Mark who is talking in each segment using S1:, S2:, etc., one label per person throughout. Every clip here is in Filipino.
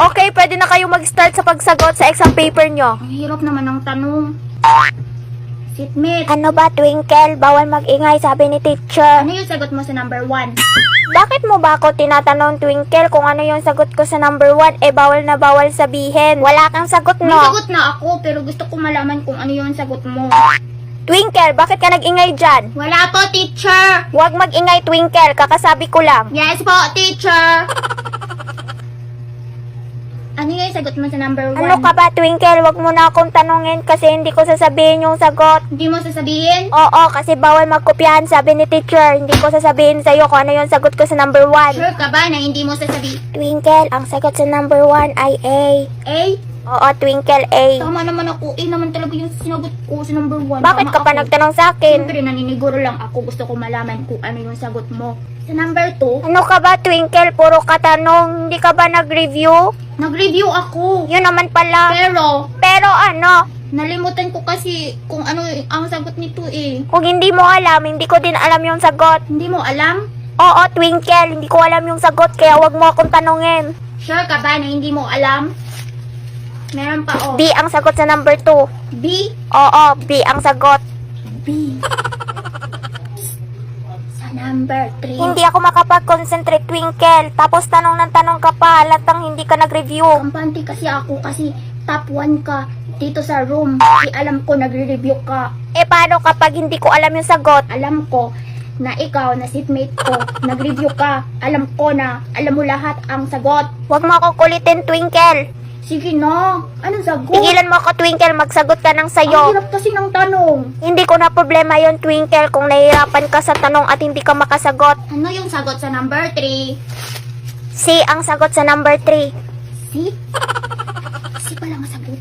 S1: Okay, pwede na kayo mag-start sa pagsagot sa exam paper nyo.
S2: Ang hirap naman ng tanong. Seatmate,
S1: Ano ba, Twinkle? Bawal mag-ingay, sabi ni teacher.
S2: ano yung sagot mo sa number 1?
S1: Bakit mo ba ako tinatanong, Twinkle, kung ano yung sagot ko sa number 1? Eh, bawal na bawal sabihin. Wala kang sagot,
S2: May
S1: no?
S2: sagot na ako, pero gusto ko malaman kung ano yung sagot mo.
S1: Twinkle, bakit ka nag-ingay dyan?
S2: Wala po, teacher!
S1: Huwag mag-ingay, Twinkle. Kakasabi ko lang.
S2: Yes po, teacher! Ano yung sagot mo sa number 1?
S1: Ano ka ba, Twinkle? Huwag mo na akong tanungin kasi hindi ko sasabihin yung sagot.
S2: Hindi mo sasabihin?
S1: Oo, kasi bawal magkopyahan, sabi ni teacher. Hindi ko sasabihin sa'yo kung ano yung sagot ko sa number 1.
S2: Sure ka ba na hindi mo sasabihin?
S1: Twinkle, ang sagot sa number 1 ay A.
S2: A?
S1: Oo, Twinkle, A.
S2: Tama naman ako. A naman talaga yung sinagot ko sa number 1.
S1: Bakit ka pa nagtanong sa akin?
S2: Siyempre, naniniguro lang ako. Gusto ko malaman kung ano yung sagot mo. Sa number 2,
S1: Ano ka ba, Twinkle? Puro katanong. Hindi ka ba nag-review?
S2: nag-review ako.
S1: Yun naman pala. Pero ano,
S2: Nalimutan ko kasi kung ano ang sagot nito eh.
S1: kung hindi mo alam, hindi ko din alam yung sagot.
S2: Hindi mo alam?
S1: Oo, Twinkle, hindi ko alam yung sagot, kaya wag mo akong tanungin.
S2: Sure ka ba na hindi mo alam? Meron pa oh.
S1: B ang sagot sa number 2.
S2: B?
S1: Oo, B ang sagot.
S2: B. Sa number 3.
S1: Hindi ako makapag-concentrate, Twinkle. Tapos tanong ng tanong ka pa, halatang hindi ka nag-review.
S2: Kampante kasi ako kasi top 1 ka dito sa room. Alam ko nagre-review ka.
S1: Eh, paano kapag hindi ko alam yung sagot?
S2: Alam ko na ikaw, na seatmate ko, nag-review ka. Alam ko na alam mo lahat ang sagot.
S1: Wag mo akong kulitin, Twinkle.
S2: Sige na. Anong sagot?
S1: Tigilan mo ako, Twinkle, magsagot ka ng
S2: Ang
S1: sayo.
S2: hirap kasi ng tanong.
S1: Hindi ko na problema yon, Twinkle, kung nahihirapan ka sa tanong at hindi ka makasagot.
S2: Ano yung sagot sa number 3?
S1: C ang sagot sa number 3.
S2: C? C pala ang sagot.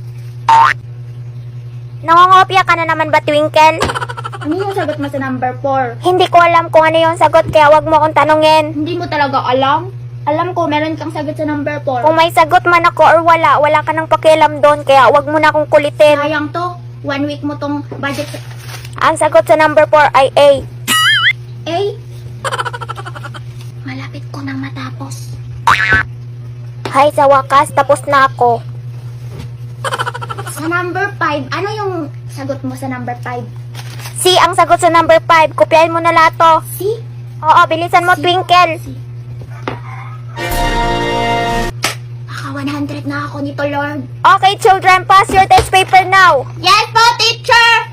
S1: Nangongopya ka na naman ba, Twinkle?
S2: Ano yung sagot mo sa number 4?
S1: Hindi ko alam kung ano yung sagot, kaya wag mo akong tanungin.
S2: Hindi mo talaga alam? Alam ko, meron kang sagot sa number 4.
S1: Kung may sagot man ako or wala ka nang pakialam doon, kaya wag mo na akong kulitin.
S2: Sayang to. 1 week mo tong budget sa...
S1: Ang sagot sa number 4 ay A.
S2: A? Malapit ko nang matapos.
S1: Hay, sa wakas, tapos na ako.
S2: Sa number 5, ano yung sagot mo sa number 5?
S1: C ang sagot sa number 5. Kopyahin mo na lahat to.
S2: C?
S1: Oo, bilisan mo, Twinkle.
S2: C. Baka 100 na ako nito, Lord.
S1: Okay, children, pass your test paper now.
S2: Yes po, teacher!